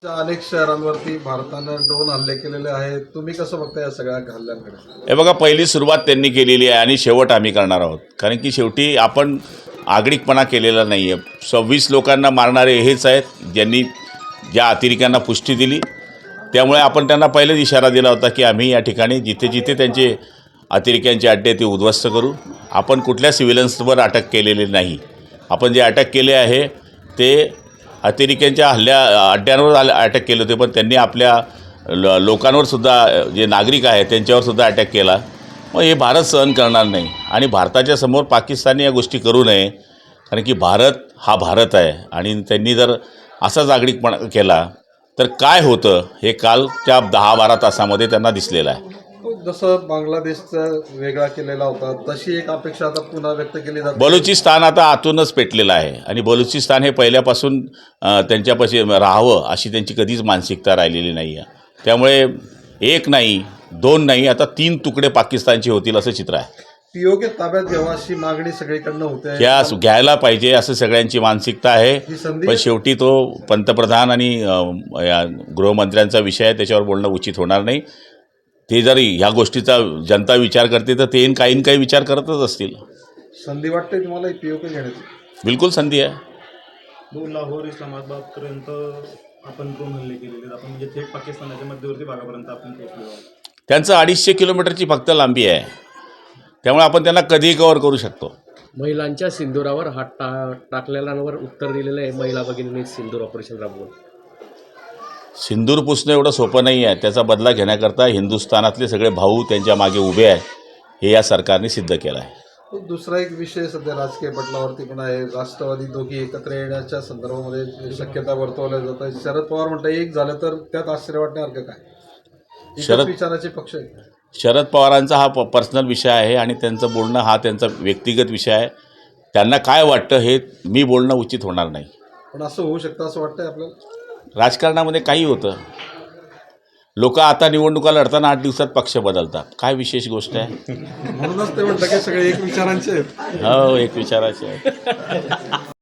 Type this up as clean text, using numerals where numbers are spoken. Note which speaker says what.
Speaker 1: अनेक शहरांवरती भारतानं ड्रोन हल्ले केलेले आहेत. तुम्ही कसं बघता या सगळ्या हल्ल्यांकडे?
Speaker 2: हे बघा, पहिली सुरुवात त्यांनी केलेली आहे आणि शेवट आम्ही करणार आहोत. कारण की शेवटी आपण आगळिकपणा केलेला नाही आहे. 26 लोकांना मारणारे हेच आहेत ज्यांनी ज्या अतिरेक्यांना पुष्टी दिली. त्यामुळे आपण त्यांना पहिलेच इशारा दिला होता की आम्ही या ठिकाणी जिथे जिथे त्यांचे अतिरेक्यांचे अड्डे ते उद्ध्वस्त करू. आपण कुठल्या सिव्हिलन्सवर अटक केलेली नाही. आपण जे अटक केले आहे ते अतिरेक्यांच्या अड्ड्यांवर अटॅक केले होते, पण त्यांनी आपल्या लोकांवर सुद्धा, जे नागरिक आहेत त्यांच्यावर सुद्धा अटॅक केला. मग हे भारत सहन करणार नाही आणि भारताच्या समोर पाकिस्तानने या गोष्टी करू नये. कारण की भारत हा भारत आहे आणि त्यांनी जर असाच आगळिकपणा केला तर काय होतं हे कालच्या 10-12 तासामध्ये त्यांना दिसलेलं आहे.
Speaker 1: जसं बांगलादेशचा वेगळा केलेला होता तशी एक अपेक्षा आता पुन्हा व्यक्त केली जाते.
Speaker 2: बलुचिस्तान आता आतूनच पेटलेलं आहे आणि बलुचिस्तान हे पहिल्यापासून त्यांच्यापाशी राहावं अशी त्यांची कधीच मानसिकता राहिलेली नाही आहे. त्यामुळे एक नाही, दोन नाही, आता 3 तुकडे पाकिस्तानचे होतील असं चित्र आहे.
Speaker 1: पीओके ताब्यात घ्यावा अशी मागणी सगळीकडनं होते.
Speaker 2: ह्या घ्यायला पाहिजे असं सगळ्यांची मानसिकता आहे. पण शेवटी तो पंतप्रधान आणि गृहमंत्र्यांचा विषय आहे, त्याच्यावर बोलणं उचित होणार नाही. ते जर ह्या गोष्टीचा जनता विचार करते तर ते काही विचार करतच असतील.
Speaker 1: संधी वाटते तुम्हाला पीओके घेण्याची?
Speaker 2: बिलकुल संधी आहे.
Speaker 3: लाहोर इस्लामाबादपर्यंत आपण ड्रोन हल्ले केलेले, आपण म्हणजे थेट पाकिस्तानाच्या मध्यवर्ती भागापर्यंत आपण पोहोचलो आहोत.
Speaker 2: त्यांचं 250 किलोमीटरची फक्त लांबी आहे. त्यामुळे आपण त्यांना कधीही कव्हर करू शकतो.
Speaker 4: महिलांच्या सिंदुरावर हात टाकलेल्यांवर उत्तर दिलेलं आहे महिला भगिनींनी सिंदूर ऑपरेशन राबवून.
Speaker 2: सिंदूर पुसणं एवढं सोपं नाही आहे. त्याचा बदला घेण्याकरता हिंदुस्थानातले सगळे भाऊ त्यांच्या मागे उभे आहे, हे या सरकारने सिद्ध केलं आहे.
Speaker 1: दुसरा एक विषय सध्या राजकीय पटलावरती पण आहे. राष्ट्रवादी दोघी एकत्र येण्याच्या संदर्भामध्ये शक्यता वर्तवल्या जात आहे. शरद पवार म्हणतात एक झालं तर त्यात आश्चर्य वाटण्यासारखं काय? शरद विचाराचे पक्ष आहे.
Speaker 2: शरद पवारांचा हा पर्सनल विषय आहे आणि त्यांचं बोलणं हा त्यांचा व्यक्तिगत विषय आहे. त्यांना काय वाटतं हे मी बोलणं उचित होणार नाही.
Speaker 1: पण असं होऊ शकतं असं वाटतंय आपल्याला?
Speaker 2: राजकारणामध्ये काही होतं. लोक आता निवडणुका लढताना 8 दिवसात पक्ष बदलतात. काय विशेष गोष्ट आहे?
Speaker 1: म्हणूनच ते म्हणतात की सगळे एक विचारांचे आहेत.
Speaker 2: हो, एक विचाराचे आहे.